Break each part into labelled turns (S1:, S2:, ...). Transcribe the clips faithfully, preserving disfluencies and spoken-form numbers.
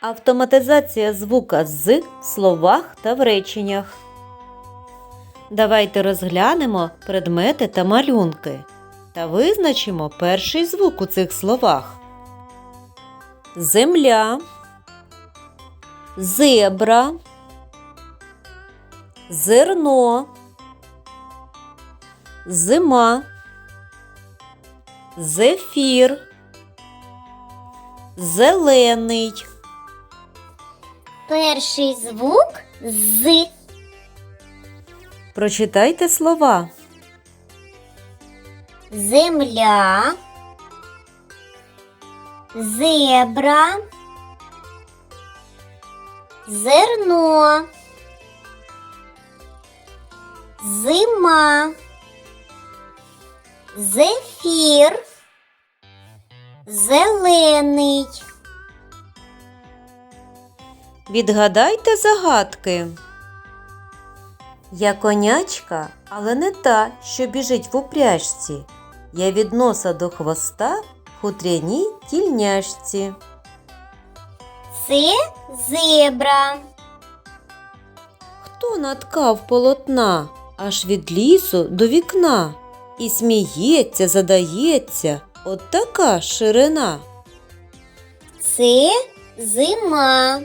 S1: Автоматизація звука «з» в словах та в реченнях. Давайте розглянемо предмети та малюнки та визначимо перший звук у цих словах. Земля, зебра, зерно, зима, зефір, зелений.
S2: Перший звук «з».
S1: Прочитайте слова.
S2: Земля, зебра, зерно, зима, зефір, зелений.
S1: Відгадайте загадки. Я конячка, але не та, що біжить в упряжці. Я від носа до хвоста в хутряній тільняшці.
S2: Це зебра.
S1: Хто наткав полотна аж від лісу до вікна? І сміється, задається, от така ширина.
S2: Це зима.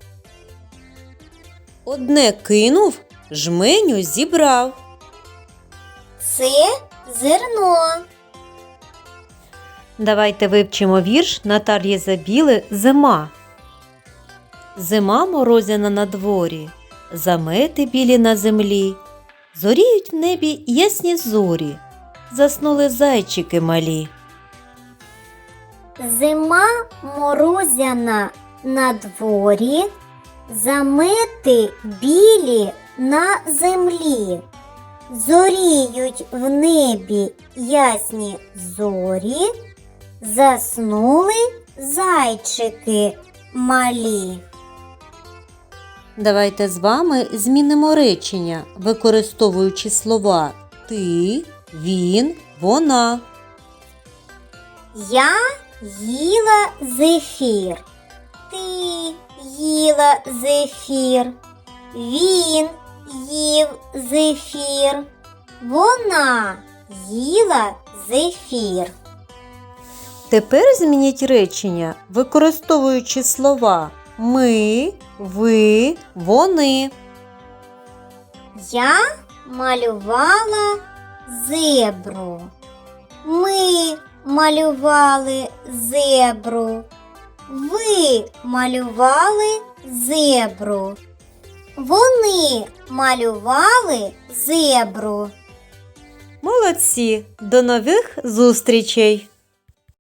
S1: Одне кинув, жменю зібрав.
S2: Це зерно.
S1: Давайте вивчимо вірш Наталії Забіли «Зима». Зима морозяна на дворі, замети білі на землі, зоріють в небі ясні зорі, заснули зайчики малі.
S2: Зима морозяна на дворі, замети білі на землі, зоріють в небі ясні зорі, заснули зайчики малі.
S1: Давайте з вами змінимо речення, використовуючи слова «ти», «він», «вона».
S2: Я їла зефір. Ти їла зефір. Він їв зефір. Вона їла зефір.
S1: Тепер змініть речення, використовуючи слова «ми», «ви», «вони».
S2: Я малювала зебру. Ми малювали зебру. Ви малювали зебру. Вони малювали зебру.
S1: Молодці! До нових зустрічей!